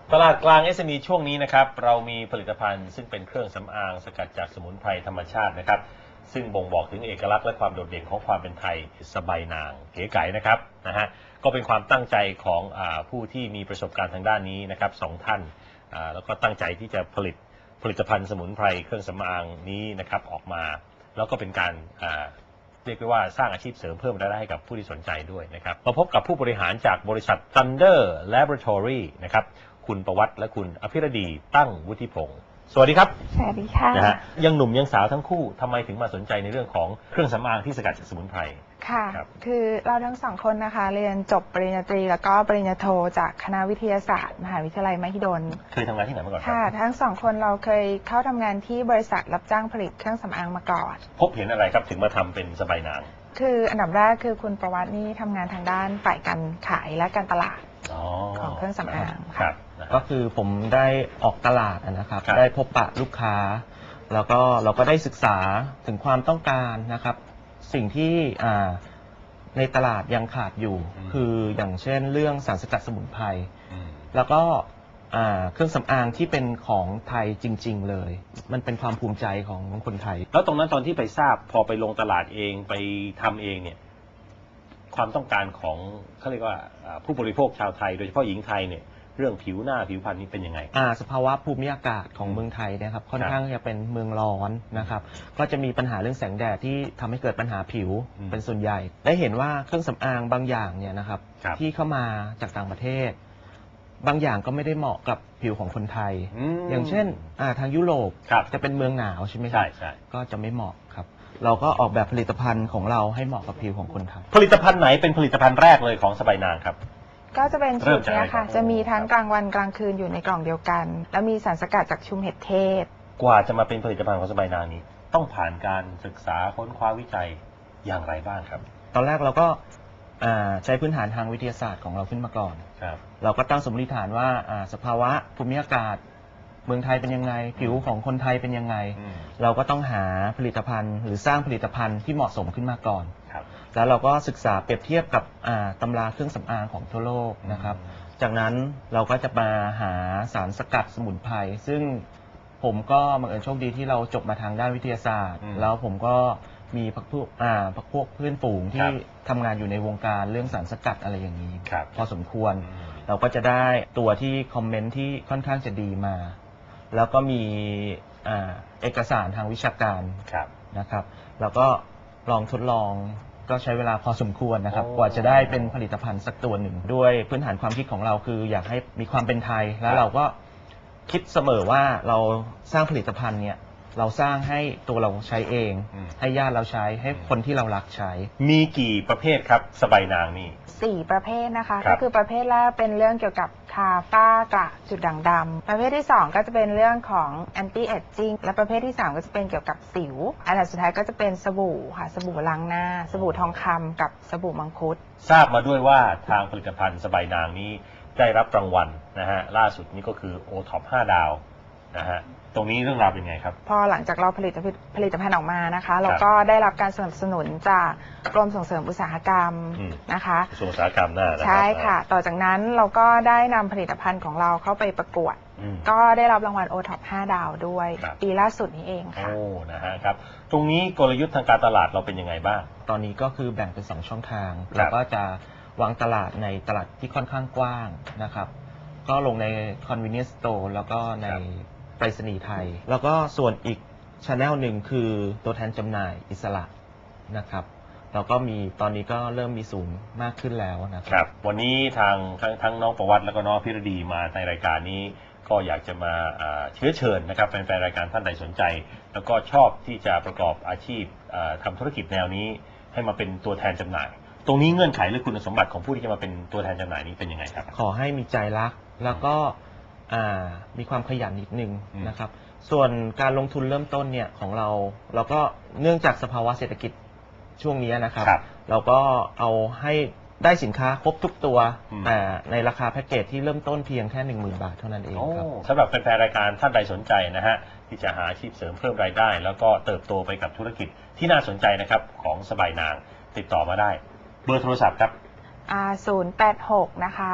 ตลาดกลาง SME ช่วงนี้นะครับเรามีผลิตภัณฑ์ซึ่งเป็นเครื่องสำอางสกัดจากสมุนไพรธรรมชาตินะครับซึ่งบ่งบอกถึงเอกลักษณ์และความโดดเด่นของความเป็นไทยสบายนางเก๋ไก๋นะครับก็เป็นความตั้งใจของผู้ที่มีประสบการณ์ทางด้านนี้นะครับ2 ท่านแล้วก็ตั้งใจที่จะผลิตภัณฑ์สมุนไพรเครื่องสำอางนี้นะครับออกมาแล้วก็เป็นการเรียกได้ว่าสร้างอาชีพเสริมเพิ่มรายได้ให้กับผู้ที่สนใจด้วยนะครับมาพบกับผู้บริหารจากบริษัท Thunder Laboratory นะครับคุณประวัติและคุณอภิรดีตั้งวุฒิพงศ์สวัสดีครับสวัสดีค่ะยังหนุ่มยังสาวทั้งคู่ทำไมถึงมาสนใจในเรื่องของเครื่องสำอางที่สกัดจากสมุนไพรค่ะคือเราทั้ง2 คนนะคะเรียนจบปริญญาตรีแล้วก็ปริญญาโทจากคณะวิทยาศาสตร์มหาวิทยาลัยมหิดลเคยทำงานที่ไหนมาก่อนค่ะทั้ง2 คนเราเคยเข้าทำงานที่บริษัทรับจ้างผลิตเครื่องสำอางมาก่อนพบเห็นอะไรครับถึงมาทำเป็นสบายนางคืออันดับแรกคือคุณประวัตินี่ทำงานทางด้านฝ่ายการขายและการตลาดของเครื่องสำอางครับก็คือผมได้ออกตลาดนะครับได้พบปะลูกค้าแล้วก็เราก็ได้ศึกษาถึงความต้องการนะครับสิ่งที่ในตลาดยังขาดอยู่คืออย่างเช่นเรื่องสารสกัดสมุนไพรแล้วก็เครื่องสำอางที่เป็นของไทยจริงๆเลยมันเป็นความภูมิใจของคนไทยแล้วตรงนั้นตอนที่ไปทราบพอไปลงตลาดเองไปทำเองเนี่ยความต้องการของเขาเรียกว่าผู้บริโภคชาวไทยโดยเฉพาะหญิงไทยเนี่ยเรื่องผิวหน้าผิวพรรณนี่เป็นยังไงสภาวะภูมิอากาศของเมืองไทยนะครับค่อนข้างจะเป็นเมืองร้อนนะครับก็จะมีปัญหาเรื่องแสงแดดที่ทำให้เกิดปัญหาผิวเป็นส่วนใหญ่ได้เห็นว่าเครื่องสำอางบางอย่างเนี่ยนะครับที่เข้ามาจากต่างประเทศบางอย่างก็ไม่ได้เหมาะกับผิวของคนไทยอย่างเช่นทางยุโรปจะเป็นเมืองหนาวใช่ไหมครับใช่ก็จะไม่เหมาะครับเราก็ออกแบบผลิตภัณฑ์ของเราให้เหมาะกับผิวของคนไทยผลิตภัณฑ์ไหนเป็นผลิตภัณฑ์แรกเลยของสบายนางครับก็จะเป็นชุดนี้ค่ะจะมีทั้งกลางวันกลางคืนอยู่ในกล่องเดียวกันแล้วมีสารสกัดจากชุมเห็ดเทศกว่าจะมาเป็นผลิตภัณฑ์ของสบายนางนี้ต้องผ่านการศึกษาค้นคว้าวิจัยอย่างไรบ้างครับตอนแรกเราก็ใช้พื้นฐานทางวิทยาศาสตร์ของเราขึ้นมาก่อนเราก็ตั้งสมมติฐานว่าสภาวะภูมิอากาศเมืองไทยเป็นยังไงผิวของคนไทยเป็นยังไงเราก็ต้องหาผลิตภัณฑ์หรือสร้างผลิตภัณฑ์ที่เหมาะสมขึ้นมาก่อนแล้วเราก็ศึกษาเปรียบเทียบกับตำราเครื่องสำอางของทั่วโลกนะครับจากนั้นเราก็จะมาหาสารสกัดสมุนไพรซึ่งผมก็บังเอิญโชคดีที่เราจบมาทางด้านวิทยาศาสตร์แล้วผมก็มีพวกเพื่อนฝูงที่ทำงานอยู่ในวงการเรื่องสารสกัดอะไรอย่างนี้พอสมควรเราก็จะได้ตัวที่คอมเมนต์ที่ค่อนข้างจะดีมาแล้วก็มีเอกสารทางวิชาการนะครับแล้วก็ลองทดลองก็ใช้เวลาพอสมควรนะครับกว่าจะได้เป็นผลิตภัณฑ์สักตัวหนึ่งด้วยพื้นฐานความคิดของเราคืออยากให้มีความเป็นไทยแล้วเราก็คิดเสมอว่าเราสร้างผลิตภัณฑ์เนี่ยเราสร้างให้ตัวเราใช้เองให้ญาติเราใช้ให้คนที่เรารักใช้มีกี่ประเภทครับสบายนางนี่ 4 ประเภทนะคะก็คือประเภทแรกเป็นเรื่องเกี่ยวกับทาฝ้ากระจุดด่างดำประเภทที่2ก็จะเป็นเรื่องของ anti aging และประเภทที่3ก็จะเป็นเกี่ยวกับสิวอันดับสุดท้ายก็จะเป็นสบู่ค่ะสบู่ล้างหน้าสบู่ทองคำกับสบู่มังคุดทราบมาด้วยว่าทางผลิตภัณฑ์สบายนางนี้ได้รับรางวัลนะฮะล่าสุดนี้ก็คือ OTOP 5 ดาวนะฮะตรงนี้เรื่องราวเป็นไงครับพอหลังจากเราผลิตภัณฑ์ออกมานะคะเราก็ได้รับการสนับสนุนจากกรมส่งเสริมอุตสาหกรรมนะคะกระทรวงอุตสาหกรรมน่าใช่ค่ะต่อจากนั้นเราก็ได้นำผลิตภัณฑ์ของเราเข้าไปประกวดก็ได้รับรางวัล OTOP 5 ดาวด้วยปีล่าสุดนี้เองค่ะนะฮะครับตรงนี้กลยุทธ์ทางการตลาดเราเป็นยังไงบ้างตอนนี้ก็คือแบ่งเป็น2 ช่องทางเราก็จะวางตลาดในตลาดที่ค่อนข้างกว้างนะครับก็ลงใน convenience store แล้วก็ในไปรษณีย์ไทยแล้วก็ส่วนอีก channel หนึ่งคือตัวแทนจำหน่ายอิสระนะครับเราก็มีตอนนี้ก็เริ่มมีศูนย์มากขึ้นแล้วนะครับวันนี้ทั้งน้องประวัติแล้วก็น้องพิรดีมาในรายการนี้ก็อยากจะมาเชื้อเชิญนะครับแฟนๆรายการท่านใดสนใจแล้วก็ชอบที่จะประกอบอาชีพทำธุรกิจแนวนี้ให้มาเป็นตัวแทนจำหน่ายตรงนี้เงื่อนไขหรือคุณสมบัติของผู้ที่จะมาเป็นตัวแทนจำหน่ายนี้เป็นยังไงครับขอให้มีใจรักแล้วก็มีความขยันนิดนึงนะครับส่วนการลงทุนเริ่มต้นเนี่ยของเราก็เนื่องจากสภาวะเศรษฐกิจช่วงนี้นะครับเราก็เอาให้ได้สินค้าครบทุกตัวแต่ในราคาแพ็กเกจที่เริ่มต้นเพียงแค่ 10,000 บาทเท่านั้นเองครับสำหรับแฟนๆรายการท่านใดสนใจนะฮะที่จะหาอาชีพเสริมเพิ่มรายได้แล้วก็เติบโตไปกับธุรกิจที่น่าสนใจนะครับของสบายนางติดต่อมาได้เบอร์โทรศัพท์ครับ 086นะคะ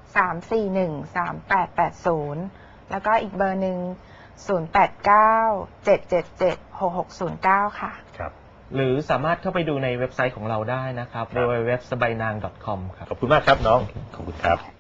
341-3880 แล้วก็อีกเบอร์หนึ่ง089-777-6609 ค่ะครับหรือสามารถเข้าไปดูในเว็บไซต์ของเราได้นะครับ www.sabainang.com ครับขอบคุณมากครับน้อง ขอบคุณครับ